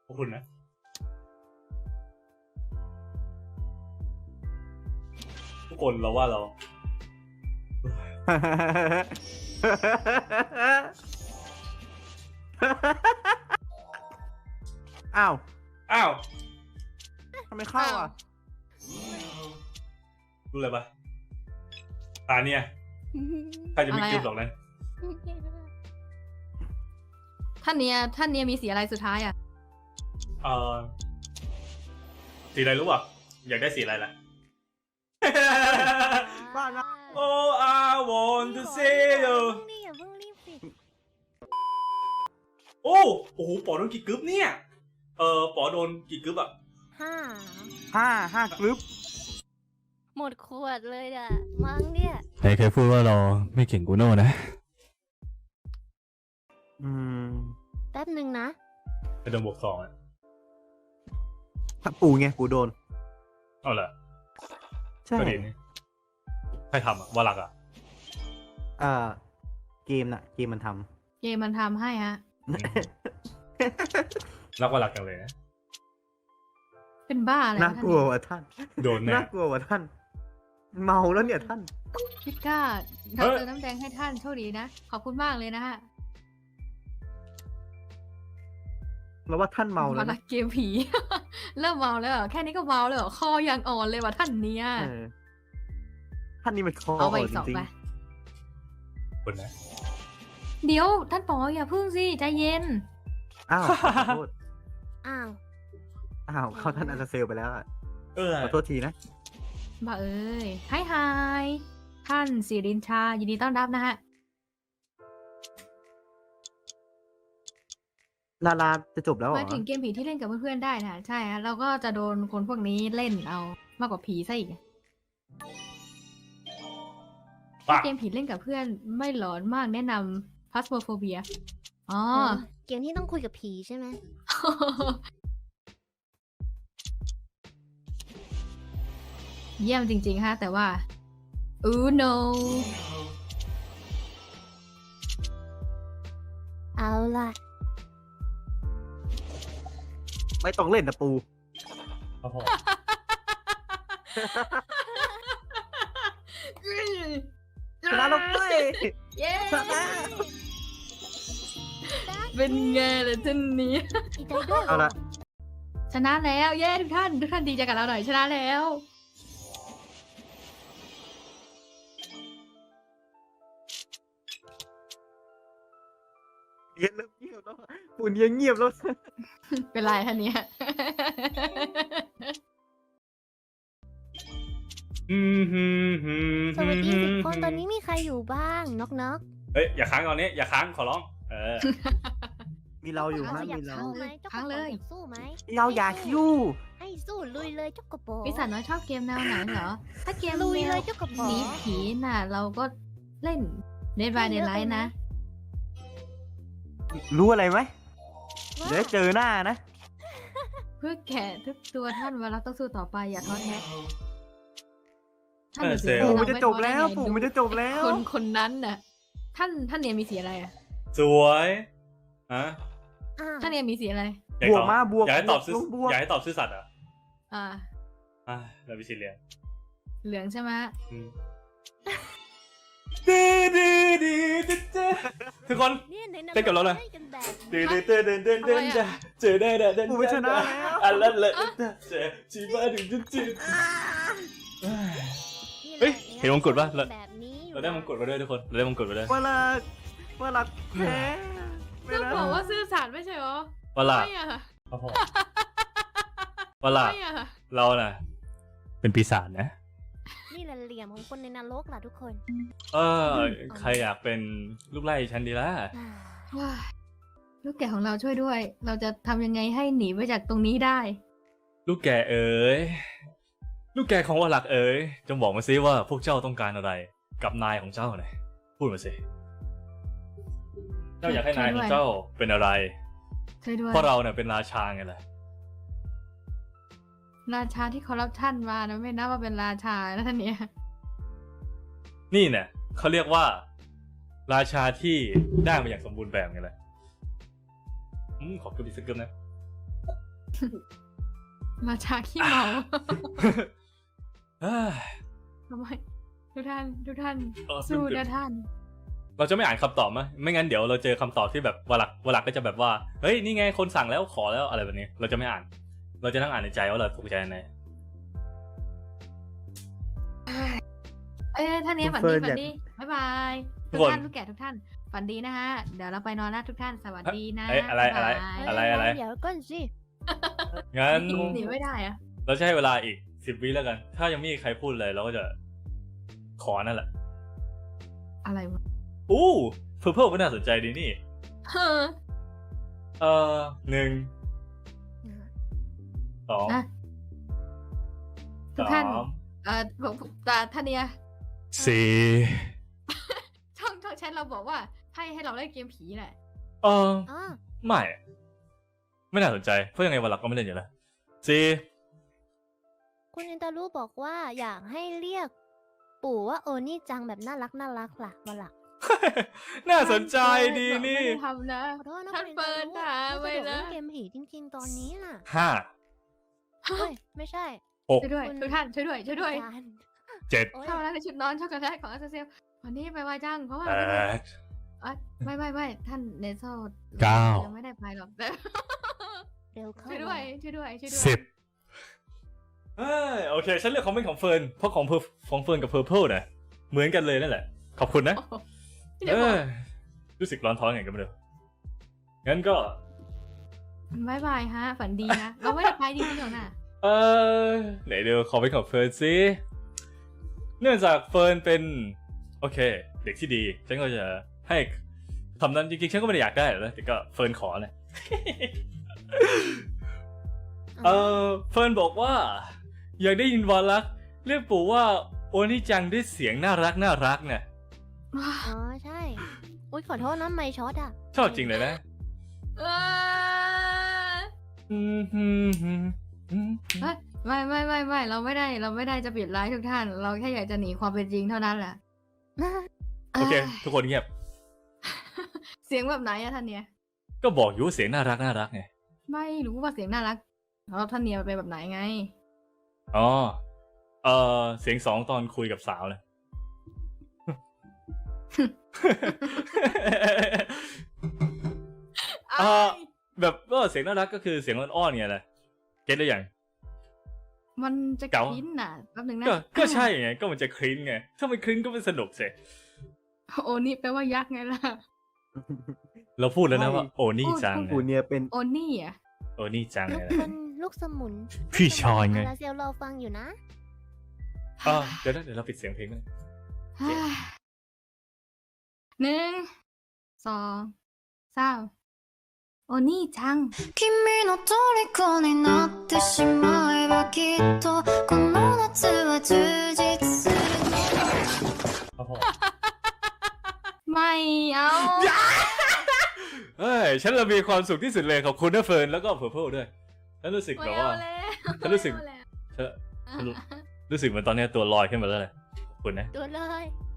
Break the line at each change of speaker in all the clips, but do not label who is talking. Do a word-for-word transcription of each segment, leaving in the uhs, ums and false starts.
ขอบคุณนะทุกคนเราว่าเรา
อ้าว
อ้าว
ทำไมเข้าอ่ะ
รู้เลยปะตาเนี่ยใครจะไม่คิดหรอกนะ
ท่านเนี้ยท่านเนี้ยมีสีอะไรสุดท้ายอ่ะ
เออสีอะไรรู้ป่ะอยากได้สีอะไรล่ะ
บ้านะ
Oh I want to see you
นี่อย่าเพิ่งรีบสิ
โอ้โอ้โหปอโดนกี่กึ๊บเนี่ยเออปอโดนกี่กึ๊บอะ
ห้า
ห้าห้ากรุ๊ป
หมดขวดเลยอ่ะมั้งเนี่ย
ใครเคยพูดว่าเราไม่เก่งกูโน่นะ
อืม
แป๊บหนึ่งนะ
ไปโดนบวกสองอะ
ถ้าปูไงปูโดน
เอาเหรอ
ใช่
ประเด็นนี้ใครทำอะวาลักอะ
เอ่อเกมน่ะ เกมมันท
เกมมันทำให้ฮะ
รักวาลักกันเลยนะ
เป็นบ้าอะไร
ำน่าว
ะท่าน
กลัว
เนี่ย
ว่ะท่าน
โดนแน่
น่ากลัวว่ะท่าน เมาแล้วเนี่ยท่าน
พิก้า
เฮ้
เรา
ย
เติมน้ำแดงให้ท่านโชคดีนะ ขอบคุณมากเลยนะฮะ
แล้วว่าท่านเมาแล้ว
มาละ
นะ
เกมผี เริ่มเมาแล้วเหรอแค่นี้ก็เมาแล้วเหรอคอยังอ่อนเลยว่ะท่านเนี้ย
เออท่านนี่มันคอ
เอาไป
อ่อ
อี
น
กสอง
จริง
ไป
คนนะ
เดี๋ยวท่านปออย่าพึ่งสิใจเย็น
ๆอ้าวขอโทษ
อ้าว
อ้าวเขาท่านอาจจะเซลไปแล้วอะ
เออ
ขอโทษทีนะ
บ้าเอ้ยไฮไฮท่านสิรินทรายินดีต้อนรับนะฮะ
ลาลาจะจบแล้วเหร
มา
อ
ถึงเกมผีที่เล่นกับเพื่อนๆได้นะใช่ฮะเราก็จะโดนคนพวกนี้เล่นเอามากกว่าผีซะอีก
ปะ
เกมผีเล่นกับเพื่อนไม่หลอนมากแนะนำ Phasmophobia อ๋อ
อ๋อเกมที่ต้องคุยกับผีใช่ไหม
เยี่ยมจริงๆฮะแต่ว่าอู no
เอาล่ะ
ไม่ต้องเล่นนะปู
ครับผม
ชนะแล้วเว้ย
เย้
ชนะ
เป็นไงล่ะท่านนี้
ดีใจด้วย
เอาละ
ชนะแล้วเย้ทุกท่านทุกท่านดีใจกับเราหน่อยชนะแล้ว
เงียบแล้วเงียบแล้วปูนเงียบเงียบแล้ว
เป็นไรท่านเนี้ย
อืมฮึมฮึม
สวัสดีสิบคนตอนนี้มีใครอยู่บ้างน็อกน็อก
เฮ้ยอย่าค้างตอนนี้อย่าค้างขอร้องเออ
มีเราอยู่
เรา
นะ
อยาก
มีเรา
สู้ไหมเจ้าก
ค้า
ระ
ง
โป
เลย
อยากสู้ไหม
เราอยากยู่
ให้สู้ลุยเลยเจ้ากระโป
ปีศาจน้อยชอบเกมแนวไหนเหรอ ถ้าเกม
ลุย
แน
เล
วย
เจ้ากระโป
หนีผีน่ะ เราก็เล่น Dead by Daylight นะ
รู้อะไรไหม
ว่า
เดี๋ยวเจอหน้านะ
เพื่อแกะทุกตัวท่านเวลาต้องสู้ต่อไปอย่าท้อแท้ท่าน
เออ
มีสี
เซลล์
อะไร
ปู่มันจะจบแล้ว
เราไม่ท้อได้ไง
ปู่มันจะจบแล้ว
คนคนนั้นน่ะ ท่านท่านเนี่ยมีสีอะไรอ่ะ
สวยฮะ
อ้าว
ท่านเนี่ยมีสีอะไร
อยาก
บ
ต
ว
อก
มาบวก
อยากให้ตอบซื่อบ
วกบวก
อยากให้ตอบซื่อสัตย์เหรอ่ะ
อ่า
อ่ะเราไปสีเหลือง
เหลืองใช่ไหม
อืมดื้อดื้อดื้อดื้อดื้อทุกคน
เนี่ยใน
เต้นกับเราเลย
ล่กันแบบ
ดื้อ
นี้
ดื้อดื้อดื้อดื้อดื้อดื้อเจอได้ได้ได้
ปู่มันชนะแล้ว
อันละละเจอชีบ้าถึงจุดจุด เฮ้ยเห็นมงกุฎปะ
แบบนี้อยู่
เราได้มงกุฎมาด้วยทุกคนเราได้มงกุฎมาด้วย
เวลาเวลาแพ้ไม่
ก็
นะ
บอกว่าซื่อสัตย์ไม่ใช่เหรอ
วลา
ไม่อะ
ครับผมวลา
ไม่อะ
เราน่ะ เป็นปีศาจนะ
นี่แหละเหลี่ยมของคนในนรกล่ะทุกคน
เออใครอยากเป็นลูกไล่ฉันดีล่ะ
อ่า
ว้ายลูกแกะของเราช่วยด้วย เราจะทำยังไงให้หนีไปจากตรงนี้ได้
ลูกแกเอ๋ยลูกแกของวลักเอ๋ยจงบอกมาซิว่าพวกเจ้าต้องการอะไร กับนายของเจ้าหน่อยพูดมาสิเจ้าอยากให้นายของเจ้าเป็นอะไร
ช่วยด้วย
เพราะเราเนี่ยเป็นราชาไงล่ะ
ราชาที่คอร์รัปชันมานะไม่นับว่าเป็นราชานะท่านเนี่ย
นี่เนี่ยเขาเรียกว่า ราชาที่ได้มาอย่างสมบูรณ์แบบไงล่ะอืมขอบคุณอีกสักเกินนะ
มาจากขี้เมา
เอ้ย
ทำไมทุกท่านทุกท่าน
เออ
สู้นะท่าน
เราจะไม่อ่านคำตอบมั้ยไม่งั้นเดี๋ยวเราเจอคำตอบที่แบบวลักวลักก็จะแบบว่าเฮ้ยนี่ไงคนสั่งแล้วขอแล้วอะไรแบบนี้ เราจะไม่อ่าน เราจะนั่งอ่านในใจว่าเราถูกใจไหน
เอ้ยท่านเนี้ย
คุ
ฝัน
ณเฟิ
ดี
ร์น
ฝัน
อยาก
ดีบ๊ายบาย
ทุ
ทุ
ก
ก
คน
ท่านทุกแก่ทุกท่านฝันดีนะฮะเดี๋ยวเราไปนอนแล้วทุกท่านสวัสดีนะ
เอ้ยอะไรอะไร
บ๊ายบาย
อะไรอะไร
เดี๋ยวก่อนสิ
งั้น
หนีไม่ได้อะ
เราจะให้เวลาอีกสิบวิแล้วกัน ถ้ายังไม่มีใครพูดเลยเราก็จะขอนั่นแหละ
อะไรวะ
อู้เพิ่มเพิ่มก็น่าสนใจดีนี่
เฮ้อ
เออหนึ่งสอง
นะทุก
สา
ท่าน
ม
เอ่อผมผมแต่ท่านเนี้ย
สี่
ช่องช่องแชทเราบอกว่าให้ให้เราเล่นเกมผีแหละ
เออ
อ๋อ
ไม่ไม่น่าสนใจเพราะยังไงวันหลักก็ไม่เล่นอยู่แล้วสี่
คุณอินตารูบอกว่าอยากให้เรียก ปู่ว่าโอนี่จังแบบน่ารักน่ารักล่ะวันหลัง
น่าสนใจดีนี่
ไม่ได้ทำนะ
ขอโทษนะ
ท่าน
คุณอิ
เปิด
ตา
ด่า
รู
ไว้
ไม่สะดวก
นะ
เล่นเกมผีจริง ๆ ตอนนี้น่ะ
ห้า
เฮ้ยไม่ใช่
หก
ช่วยด้วย
คุณ
ทุกท่านช่วยด้วยช่วยด้วย
อาจารย์
เจ็ด
โอ๊ย
เข้ามาแล้วในชุดนอนช็อกโกแลตของอาเซลวันนี้ไปไวจังเพราะว่า
แป
เราเป็น
ด
อ่ะไม่ไม่ไม่ท่านเนเซล
เก้า
ยังไม่ได้ไปหรอกแต่
เร็วเข้า
ช่วยด้วยช่วยด้วยช่วยด้วย
สิบ
เอ้ยโอเค ฉันเลือกคอมเมนต์ของเฟิร์นเพราะของเพอร์ของเฟิร์นกับเพอร์เพลนะเหมือนกันเลยนั่นแหละ ขอบคุณนะ
โอ้โห
เอ
เดี๋ยวบอก
อรู้สึกร้อนท้องไงกันไม่รู้งั้นก็
บายบายฮะ ฝันดีนะ เราไม่ได้ไปจริงๆหรอกนะ
เออไหนเดี๋ยวขอไปของเฟิร์นสิเนื่องจากเฟิร์นเป็นโอเค เด็กที่ดี ฉันก็จะให้คำนั้นจริงๆฉันก็ไม่ได้อยากได้หรอกนะแต่ก็เฟิร์นขอนะ เออเฟิร์นบอกว่า อยากได้ยินวาลักเรียกปู่ว่าโอนิจังด้วยเสียงน่ารักน่ารักเนี่ย
อ๋อใช่ อุ้ยขอโทษนะไม่ช็อตอ่ะ
ชอบจริงเลยนะ
เอ้ย
อืมอืมอืมอืม
เอ้ยไม่ไม่ไม่ไม่เราไม่ได้เราไม่ได้จะปิดไลฟ์ทุกท่าน เราแค่อยากจะหนีความเป็นจริงเท่านั้นแหละ
โอเค
ย
ทุกคนเงียบ
เสียงแบบไหนอะท่านเนี่ย
ก็บอกอยู่ว่าเสียงน่ารักน่ารักไง
ไม่รู้ว่าเสียงน่ารักแล้วท่านเนี่ยมันเป็นแบบไหนไง
อ๋อเออเสียงสองตอนคุยกับสาวเลย เอ่อ แบบก็เสียงน่ารักก็คือเสียงอ้อนๆไงแหละเก็ตได้ยัง
มันจะ
เก๋า
คลิ้นน่ะแป๊บนึงนะ
ก็ก็ใช่ไงก็มันจะคลิ้นไงถ้ามันคลิ้นก็ไม่สนุกสิ
โอนี่แปลว่ายักษ์ไงล่ะ
เราพูดแล้วนะว่าโอนี่จัง
ปู่เนี่ยเป็น
โอนี่อ่ะ
โอนี่จัง
ลู
ไง
ก
นะ
เป็นลูกสมุน
พี่ชอนไง
อาราเซลรอฟังอยู่นะ
อ๋อเดี๋ยวนะเดี๋ยวเราปิดเสียงเพลงกัน
หนึ่งสองสามโอนี่จัง
君の虜になってしまえばきっとこの夏は充実する
โอ้โห
ไม่เอา
เฮ้ยฉันเรามีความสุขที่สุดเลยขอบคุณนะเฟิร์นแล้วก็เพอร์เพลด้วยฉันรู้สึก
ไม่
แบบ
เอา
ว่า
แล้ว
ฉันรู้สึก
ไม่เอาแล้ว
ฉัน รู้สึกเหมือนตอนนี้ตัวลอยขึ้นมาแล้วเลยขอบคุณนะ
ตัวเลย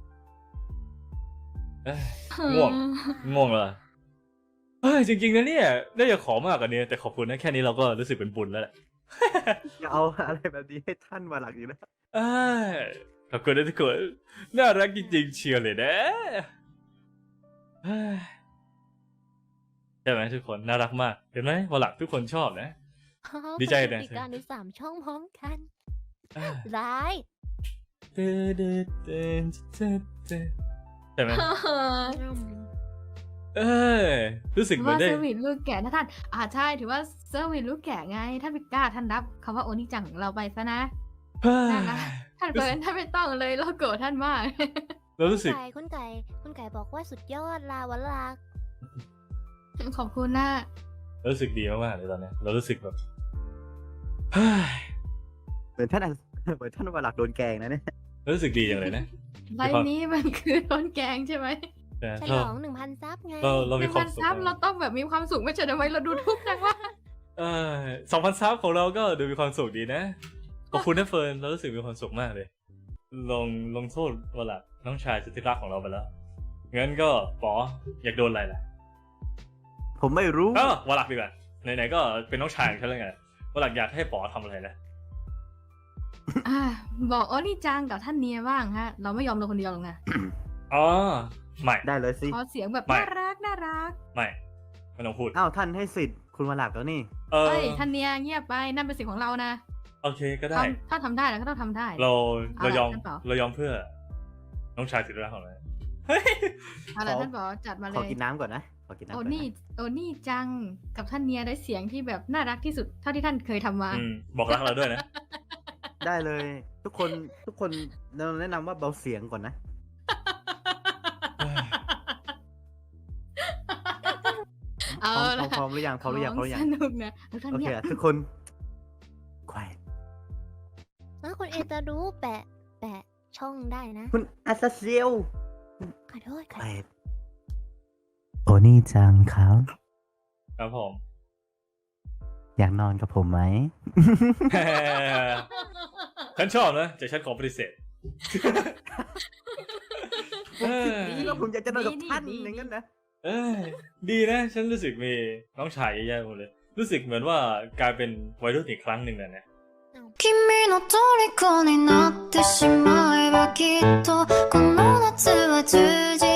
เอ้ย ง่วง ง่วงเลยเฮ้ยจริงๆนะเนี่ยได้อยากขอมากกว่านี้แต่ขอบคุณนะแค่นี้เราก็รู้สึกเป็นบุญแล้วแหละ
จะเอาอะไรแบบนี้ให้ท่านมาหลักอยู่นะ
เอ้ยขอบคุณนะทุกคนน่ารักจริงๆเชียร์เลยนะเฮ้ยใช่ไหมทุกคนน่ารักมากเห็นไหมวันหลังทุกคนชอบนะ ดีใจนะ
มีการดูสามช่องพร้อมกัน
อ่า
ร้าย
ใช่ไหมเอ้ยรู้สึก
ถือ
เหมือ
ว่าน
ได้
เซอร์วิสลูกแก่นะท่านอ่าใช่ถือว่าเซอร์วิสลูกแก่ไงท่านพิก้าท่านรับคำว่าโอนี่จังของเราไปซะนะ
เฮ้ย
ได้นะ ท่านเฟิร์นท่านไม่ต้องเลยเราโกรธท่านมาก
เรารู้สึก
ไก่คุณไก่คุณไก่บอกว่าสุดยอดลาวลา
ขอบคุณนะ
เรารู้สึกดีมากๆเลยตอนนี้เรารู้สึกแบบเฮ้ย
เหมือนท่านอันเหมือนท่านมาหลักโดนแกล้งนะเนี่ย
เรารู้สึกดีอย่างเลยนะ
ไลฟ์นี้มันคือโดนแกงใช่ไหม
แต่
ฉ
เรา
ลองหนึ่งพันซับไง
เราเรา
ห
มี
นึ่ง
ควา
พั
ม
น
สุข
ซับเราต้องแบบมีความสุขไม่ใช่ทำไมเราดูทุกข์จังวะ
เออสองพันซับของเราก็ดูมีความสุขดีนะขอบคุณนะเฟิร์นเรารู้สึกมีความสุขมากเลย ลงลงโทษวลักน้องชายสุดที่รักของเราไปแล้วงั้นก็ปออยากโดนอะไรล่ะ
ผมไม่รู้
เออวลักดีกว่าไหนๆก็เป็นน้องชายของฉันแล้วไงวันหลังอยากให้ป๋อทำอะไรนะ
อ่าบอกโอนี่จังกับท่านเนียบ้างฮะ เราไม่ยอมเราคนเดียวหรอกนะ
อ๋อไม่
ได้เลยสิ
ขอเสียงแบบ
ไม่
น่ารักน่ารัก
ไม่ไม่ต้องพูด
อ้าวท่านให้สิทธิ์คุณมาหลักแล้วนี่
เออ
เอ้ยท่านเนียเงียบไปนั่นเป็นเสียงของเรานะ
โอเคก็ได้
ทำถ้าทำได้เราก็ต้องทำได้
เรา
เอา
เรา
ล่ะ
ยอม
ท่านป๋อ
เรายอมเพื่อ น้องชายสุดรักของเรา
เอาล่ะ
ขอ
ท่านบอกจัดมาเล
ขอย กินน้ำก่อนนะ ขอกินน้ำ
โอ
ก่อน
นี่
นะ
โอนี่จังกับท่านเนียได้เสียงที่แบบน่ารักที่สุดเท่าที่ท่านเคยทำมา
อืมบอกรักเราด้วยนะ
ได้เลย ทุกคนทุกคนเราแนะนำว่าเบาเสียงก่อนนะ
เอา
พร้อม
ล่ะ
พร้อมหรือยังพร้อมหรือยังพร้อมหรือยัง
สนุกนะแล้วท่าน
โอเค
เนี่ย
อะทุกคนควาย
แล้วคุณเอตารู้แปะ แปะช่องได้นะ
คุณอาซาเซียว
ขอโทษ
ค
ค่ะ
วายโอนี่จังครับ
ครับผม
อยากนอนกับผมไหม
ฉันชอบนะแต่ฉันขอปฏิเสธ เออ
นี่แล้วผมอยากจะนอนกับท่าน
ดี
อย่างนั้นนะ
เอ้ยดีนะ ฉันรู้สึกมีน้องชายเยอะแยะหมดเลย รู้สึกเหมือนว่ากลายเป็นวัยรุ่นอีกครั้งหนึ่งเลยนะ
君の虜になってしまえばきっとこの夏は充実